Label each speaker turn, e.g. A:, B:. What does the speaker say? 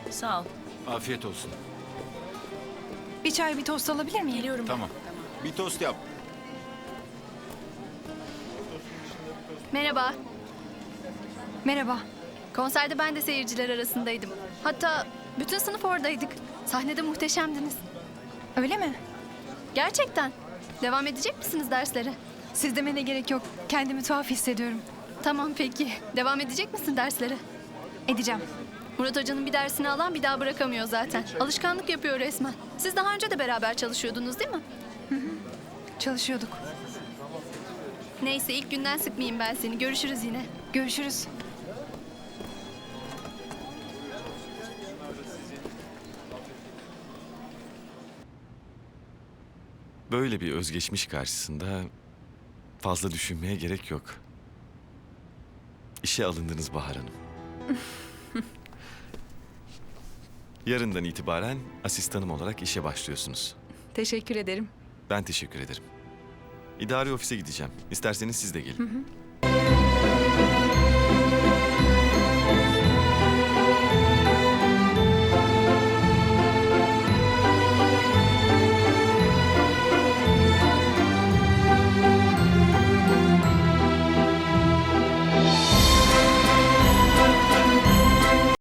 A: Sağ ol.
B: Afiyet olsun.
C: Bir çay bir tost alabilir miyim?
A: Geliyorum.
B: Tamam. Bir tost yap.
D: Merhaba.
C: Merhaba.
D: Konserde ben de seyirciler arasındaydım. Hatta bütün sınıf oradaydık. Sahnede muhteşemdiniz.
C: Öyle mi?
D: Gerçekten. Devam edecek misiniz derslere?
C: Siz demene gerek yok. Kendimi tuhaf hissediyorum.
D: Tamam peki. Devam edecek misin derslere?
C: Edeceğim.
D: Murat Hoca'nın bir dersini alan bir daha bırakamıyor zaten. Alışkanlık yapıyor resmen. Siz daha önce de beraber çalışıyordunuz değil mi?
C: Çalışıyorduk.
D: Neyse ilk günden sıkmayayım ben seni. Görüşürüz yine.
C: Görüşürüz.
E: Böyle bir özgeçmiş karşısında fazla düşünmeye gerek yok. İşe alındınız Bahar Hanım. Yarından itibaren asistanım olarak işe başlıyorsunuz.
C: Teşekkür ederim.
E: Ben teşekkür ederim. İdari ofise gideceğim. İsterseniz siz de gelin.